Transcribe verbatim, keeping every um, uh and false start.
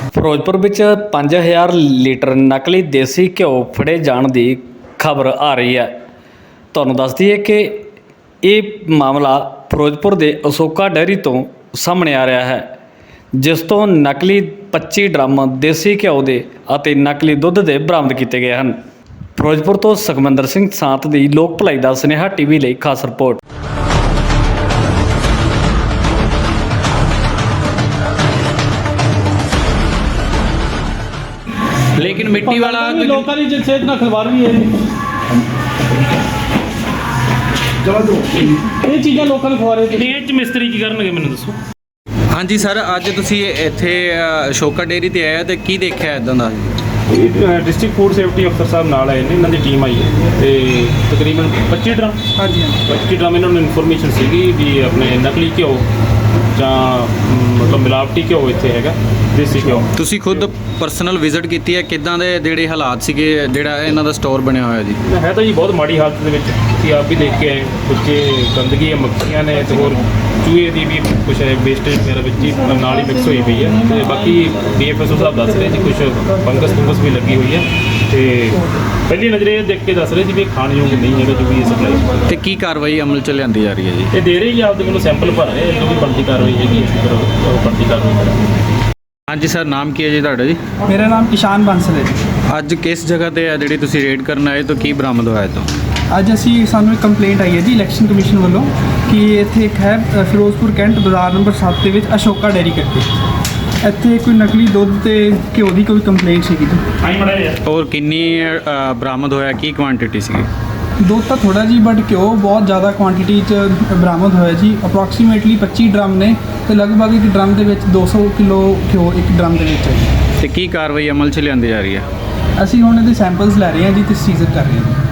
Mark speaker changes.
Speaker 1: ਫਿਰੋਜ਼ਪੁਰ ਵਿੱਚ ਪੰਜ ਹਜ਼ਾਰ ਲੀਟਰ ਨਕਲੀ ਦੇਸੀ ਘਿਓ ਫੜੇ ਜਾਣ ਦੀ ਖਬਰ ਆ ਰਹੀ ਹੈ। ਤੁਹਾਨੂੰ ਦੱਸ ਦਈਏ ਕਿ ਇਹ ਮਾਮਲਾ ਫਿਰੋਜ਼ਪੁਰ ਦੇ ਅਸ਼ੋਕਾ ਡੇਅਰੀ ਤੋਂ ਸਾਹਮਣੇ ਆ ਰਿਹਾ ਹੈ, ਜਿਸ ਤੋਂ ਨਕਲੀ ਪੱਚੀ ਡਰਮ ਦੇਸੀ ਘਿਓ ਦੇ ਅਤੇ ਨਕਲੀ ਦੁੱਧ ਦੇ ਬਰਾਮਦ ਕੀਤੇ ਗਏ ਹਨ। ਫਿਰੋਜ਼ਪੁਰ ਤੋਂ ਸੁਖਮੰਦਰ ਸਿੰਘ ਸਾਂਤ ਦੀ ਲੋਕ ਭਲਾਈ ਦਾ ਸੁਨੇਹਾ ਟੀਵੀ ਲਈ ਖਾਸ ਰਿਪੋਰਟ।
Speaker 2: लेकिन मिट्टी वाला
Speaker 3: लोगों की सिहत ना खिलवाड़ भी है। ये चीज़ां लोगों ਨੂੰ ਖਵਾ ਰਹੇ ਤੇ ਇਹ ਚ ਮਿਸਤਰੀ ਕੀ ਕਰਨਗੇ ਮੈਨੂੰ ਦੱਸੋ।
Speaker 2: ਹਾਂਜੀ ਸਰ, ਅੱਜ ਤੁਸੀਂ ਇੱਥੇ ਅਸ਼ੋਕਾ ਡੇਅਰੀ ਤੇ ਆਏ ਹੋ ਤੇ ਕੀ ਦੇਖਿਆ ਇਦਾਂ ਦਾ?
Speaker 3: ਇਹ ਡਿਸਟ੍ਰਿਕਟ ਫੂਡ ਸੇਫਟੀ ਅਫਸਰ ਸਾਹਿਬ ਨਾਲ ਆਏ ਨੇ, ਇਹਨਾਂ ਦੀ ਟੀਮ ਆਈ ਹੈ ਤੇ ਤਕਰੀਬਨ ਪੱਚੀ ਡਰਮ ਹਾਂਜੀ ਪੱਚੀ ਡਰਮ ਇਹਨਾਂ ਨੂੰ ਇਨਫੋਰਮੇਸ਼ਨ ਸੀਗੀ ਵੀ ਆਪਣੇ ਨਕਲੀ ਘਿਓ ਜਾਂ ਮਤਲਬ ਮਿਲਾਵਟੀ ਘਿਓ ਇੱਥੇ ਹੈਗਾ, ਦੇਸੀ ਘਿਓ।
Speaker 2: ਤੁਸੀਂ ਖੁਦ ਪਰਸਨਲ ਵਿਜ਼ਿਟ ਕੀਤੀ ਹੈ, ਕਿੱਦਾਂ ਦੇ ਜਿਹੜੇ ਹਾਲਾਤ ਸੀਗੇ ਜਿਹੜਾ ਇਹਨਾਂ ਦਾ ਸਟੋਰ ਬਣਿਆ ਹੋਇਆ ਜੀ?
Speaker 3: ਹੈ ਤਾਂ ਜੀ ਬਹੁਤ ਮਾੜੀ ਹਾਲਤ ਦੇ ਵਿੱਚ, ਤੁਸੀਂ ਆਪ ਵੀ ਦੇਖ ਕੇ ਆਏ, ਕੁਝ ਗੰਦਗੀ ਮੱਖੀਆਂ ਨੇ ਤੇ ਹੋਰ ਚੂਹੇ ਦੀ ਵੀ ਕੁਛ ਹੈ ਵੇਸਟੇਜ ਵਗੈਰਾ ਵਿੱਚ ਹੀ ਨਾਲ ਹੀ ਮਿਕਸ ਹੋਈ ਪਈ ਹੈ ਤੇ ਬਾਕੀ ਡੀ ਐਫ ਐਸ ਓ ਸਾਹਿਬ ਦੱਸ ਰਹੇ ਜੀ ਕੁਛ ਫੰਗਸ ਫੰਗਸ ਵੀ ਲੱਗੀ ਹੋਈ ਹੈ ਤੇ ਪਹਿਲੀ ਨਜ਼ਰੇ ਇਹ ਦੇਖ ਕੇ ਦੱਸ ਰਹੇ ਸੀ ਵੀ ਇਹ ਖਾਣਯੋਗ ਨਹੀਂ ਹੈਗਾ ਜੋ ਵੀ ਇਹ ਸਪਲਾਈ।
Speaker 2: ਤੇ ਕੀ ਕਾਰਵਾਈ ਅਮਲ ਚ ਲਿਆਂਦੀ ਜਾ ਰਹੀ ਹੈ ਜੀ?
Speaker 3: ਇਹ ਦੇ ਰਹੇ ਜੀ ਆਪਦੇ ਵੱਲੋਂ ਸੈਂਪਲ ਭਰ ਰਹੇ, ਜੋ ਵੀ ਬਣਦੀ ਕਾਰਵਾਈ ਹੈਗੀ ਫਿਰ ਉਹ ਬਣਦੀ ਕਾਰਵਾਈ ਕਰਾਂਗੇ।
Speaker 2: ਹਾਂਜੀ ਸਰ, ਨਾਮ ਕੀ ਹੈ ਜੀ ਤੁਹਾਡਾ ਜੀ?
Speaker 4: ਮੇਰਾ ਨਾਮ ਕਿਸ਼ਾਨ ਬਾਂਸਲ ਹੈ ਜੀ।
Speaker 2: ਅੱਜ ਕਿਸ ਜਗ੍ਹਾ ਤੇ ਹੈ ਜਿਹੜੀ ਤੁਸੀਂ ਰੇਡ ਕਰਨ ਆਏ ਤੋਂ ਕੀ ਬਰਾਮਦ ਹੋਇਆ ਤੋਂ?
Speaker 4: ਅੱਜ ਅਸੀਂ ਸਾਨੂੰ ਇੱਕ ਕੰਪਲੇਂਟ ਆਈ ਹੈ ਜੀ ਇਲੈਕਸ਼ਨ ਕਮਿਸ਼ਨ ਵੱਲੋਂ ਕਿ ਇੱਥੇ ਇੱਕ ਹੈ ਅ, ਫਿਰੋਜ਼ਪੁਰ ਕੈਂਟ ਬਾਜ਼ਾਰ ਨੰਬਰ ਸੱਤ ਦੇ ਵਿੱਚ ਅਸ਼ੋਕਾ ਡੇਅਰੀ ਕਰਕੇ ਇੱਥੇ ਕੋਈ ਨਕਲੀ ਦੁੱਧ ਤੇ ਘਿਓ ਦੀ ਕੋਈ ਕੰਪਲੇਂਟ ਸੀਗੀ ਜੀ।
Speaker 2: ਔਰ ਕਿੰਨੀ ਅ, ਬਰਾਮਦ ਹੋਇਆ, ਕੀ ਕੁਆਂਟੀਟੀ ਸੀਗੀ?
Speaker 4: ਦੁੱਧ ਤਾਂ ਥੋੜਾ ਜੀ ਬਟ ਘਿਓ ਬਹੁਤ ਜ਼ਿਆਦਾ ਕੁਆਂਟੀਟੀ 'ਚ ਬਰਾਮਦ ਹੋਇਆ ਜੀ। ਅਪਰੋਕਸੀਮੇਟਲੀ ਪੱਚੀ ਡਰਮ ਨੇ ਤੇ ਲਗਭਗ ਇੱਕ ਡਰਮ ਦੇ ਵਿੱਚ ਦੋ ਸੌ ਕਿਲੋ ਘਿਓ ਇੱਕ ਡਰਮ ਦੇ ਵਿੱਚ ਹੈ ਜੀ।
Speaker 2: ਤੇ ਕੀ ਕਾਰਵਾਈ ਅਮਲ ਚ ਲਿਆਂਦੀ ਜਾ ਰਹੀ ਹੈ?
Speaker 4: ਅਸੀਂ ਹੁਣ ਇਹਦੇ ਸੈਂਪਲਸ ਲੈ ਰਹੇ ਹਾਂ ਜੀ ਤੇ ਸੀਜ਼ਰ ਕਰ ਰਹੇ ਹਾਂ।